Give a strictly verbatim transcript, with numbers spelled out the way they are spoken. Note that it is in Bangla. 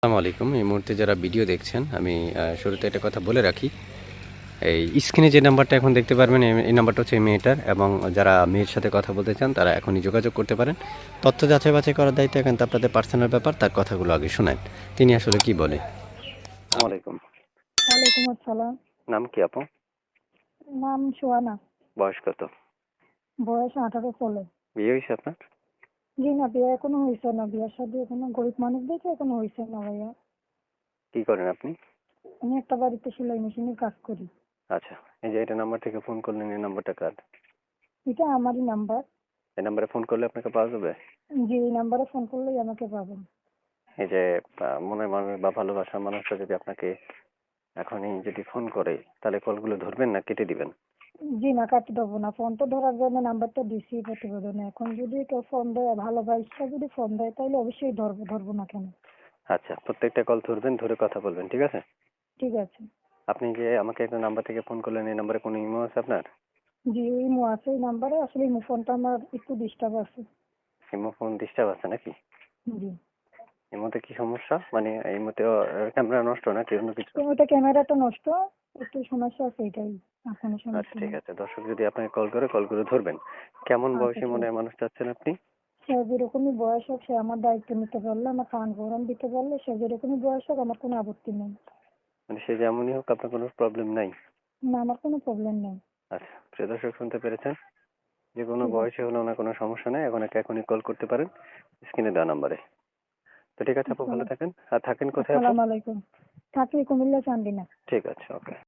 আসসালামু আলাইকুম। এই মুহূর্তে যারা ভিডিও দেখছেন, আমি আ শুরুতে একটা কথা বলে রাখি। এই স্ক্রিনে যে নাম্বারটা এখন দেখতে পারবেন, এই এই নাম্বারটা হচ্ছে এই মেয়েটার, এবং যারা মেয়ের সাথে কথা বলতে চান তারা এখনই যোগাযোগ করতে পারেন। তথ্য যাচাই বাছাই করার দায়িত্ব একান্ত আপনাদের পার্সোনাল ব্যাপার। তার কথাগুলো আগে শোনেন। তিনি আসলে কি বলে। আসসালামু আলাইকুম। ওয়ালাইকুম আসসালাম। নাম কি আপু? নাম সোহানা। বয়স কত? বয়স আঠারো চলে। বিয়ে হইছে আপনার? জি না, বিয়ে এখনো হয়েছে না। বিয়ের সাথে এখনো গরিব মানুষ দেখে এখনো হয়েছে না ভাইয়া। কি করেন আপনি? আমি একটা বাড়িতে সেলাই মেশিনের কাজ করি। আচ্ছা, এই যে এটা নাম্বার থেকে ফোন করলেন, এই নাম্বারটা কার? এটা আমারই নাম্বার। এই নাম্বারে ফোন করলে আপনাকে পাওয়া যাবে? জি, এই নাম্বারে ফোন করলেই আমাকে পাবেন। এই যে আ মনের মানুষ বা ভালোবাসার মানুষটা যদি আপনাকে এখনই যদি ফোন করে, তাহলে কলগুলো ধরবেন না কেটে দিবেন? জি না, কাটতে দেবো না। ফোন তো ধরার জন্য নাম্বারটা দিছি প্রতিবেদনে। এখন যদি কেউ ফোন দেয়, ভালোবাসা যদি ফোন দেয়, তাহলে অবশ্যই ধরবো। ধরবো না কেন? আচ্ছা, প্রত্যেকটা কল ধরবেন, ধরে কথা বলবেন, ঠিক আছে? ঠিক আছে। আপনি যে আমাকে একটা নাম্বার থেকে ফোন করলেন, এই নাম্বারে কোনো ইমো আছে আপনার? জি, ইমো আছে এই নাম্বারে। আসলে ইমো ফোনটা আমার একটু ডিস্টার্ব আছে। ইমো ফোন ডিস্টার্ব আছে নাকি? জি। ইমোতে কি সমস্যা? মানে ইমোতে ক্যামেরা নষ্ট নাকি অন্য কিছু? ওইটা ক্যামেরাটা নষ্ট, একটু সমস্যা আছে এটাই। আর কোনো আচ্ছা, সমস্যা ঠিক নেই। আছে। দর্শক যদি আপনাকে কল করে, কলগুলো ধরবেন। কেমন আচ্ছা বয়সী ঠিক মনের আছে। মানুষ চাচ্ছেন আপনি? সে যেরকমই বয়স হোক, সে আমার দায়িত্ব নিতে পারলে, আমার খাওয়ান পরান দিতে পারলে, সে যেরকমই বয়স হোক আমার কোনো আপত্তি নেই। মানে সে যেমনই হোক, আপনার কোনো প্রবলেম নাই? না, আমার কোনো প্রবলেম নেই। আচ্ছা, প্রিয় দর্শক শুনতে পেরেছেন? যে কোনো ঠিক আছে। বয়সে হলেও না কোনো সমস্যা নেই। এখন একে এখনই কল করতে পারেন স্ক্রিনে দেওয়া নাম্বারে। তো ঠিক আছে আপু, ভালো আসসালাম থাকেন। আর থাকেন কোথায় আপু? আসসালামু আলাইকুম। থাকি কুমিল্লা চান্দিনা। ঠিক আছে, ওকে।